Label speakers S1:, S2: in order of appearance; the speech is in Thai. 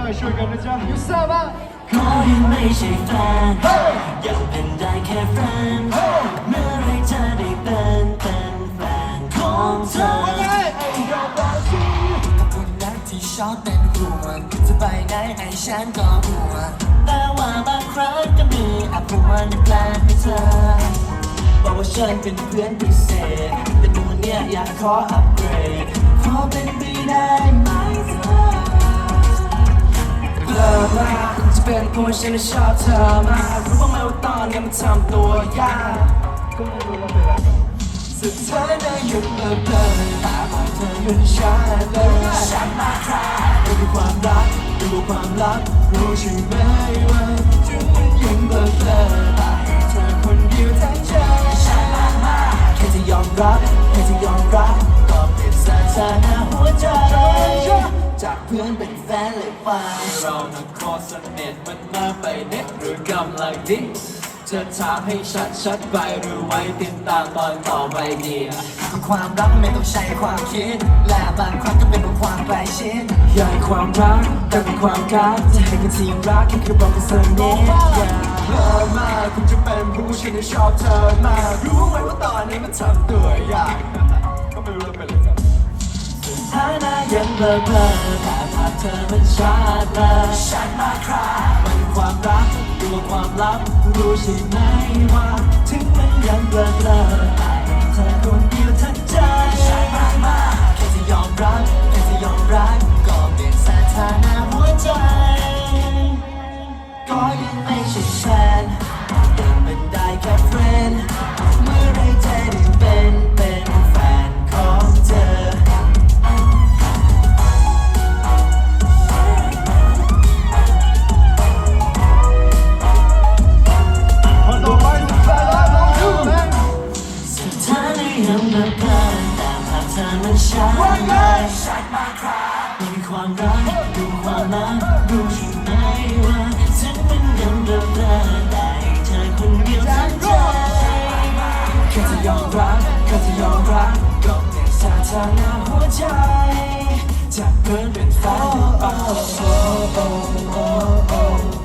S1: ช่วยกันนะจ๊ะยูซ่าบ้าง
S2: ขอให้ไม่ใช่แฟนยังเป็นได้แค่แฟนเมื่อไรจะได้เป็นแฟนของเธอคนรักที่ชอบเป็นห่วงจะไปไหนไอ้ฉันก็ห่วงแต่ว่าบางครั้งก็มีอาภวนในแปลงให้เธอบอกว่าฉันเป็นเพื่อนพิเศษแต่ดูเนี่ยอยากขออัปเกรดขอเป็นไปได้ไหมเธอเลิกมาจะเป็นเพราะว่าฉันชอบเธอมากรู้บ้างไหมว่าตอนนี้มันทำตัวยากก็ไม่รู้ว่าเป็นอะไรสุดท้ายได้หยุดเลิกตาบอดเธอเป็นฉันเลยฉันมาคราดูความรักดูความลับรู้ใช่ไหมว่าถึงมันยังเลิกตาให้เธอคนเดียวทั้งใจฉันมาแค่จะยอมรับแค่จะยอมรับก็เปลี่ยนสถานะหัวใจจากเพื่อนเป็นแฟนเลยไปเรานักคอสนิทมันมาไปเน็ตหรือกำลังดิ้จะถามให้ชัดไปหรือไว้ติดตามตอนต่อไปดีคือความรักไม่ต้องใช้ความคิดและบางครั้งก็เป็นเพราะความใกล้ชิดอยากให้ความรักแต่เป็นความรักจะให้กันทีรักแค่คือบอกกันเสน่ห์เลิกมาคุณจะเป็นผู้ฉันชอบเธอมากรู้ไหมว่าตอนนี้มันทำตัวยากก็ไม่รู้จะเป็นอะไรกันฐานะยังเบลอแต่ภาพเธอมันชัดเลยฉันมาครามันความรักตัวความลับรู้ใช่ไหมว่าถึงมันยังเบลอแต่เธอคนเดียวทั้งใจฉันมาแค่จะยอมรับแค่จะยอมรักก็เปลี่ยนสถานะหัวใจก็ยังไม่ใช่แฟนยังเป็นได้แค่เพื่อนเมื่อไรจะได้เป็นแฟนของเธอยังเลิกกันแต่ภาพเธอมันชัดเลยมีความรักดูความลับรู้ใช่ไหมว่าฉันมันยังเลิกกันแต่เธอคนเดียวทั้งใจแค่จะยอมรับแค่จะยอมรับก็เปลี่ยนสถานะหัวใจจากเพื่อนเป็นแฟนไป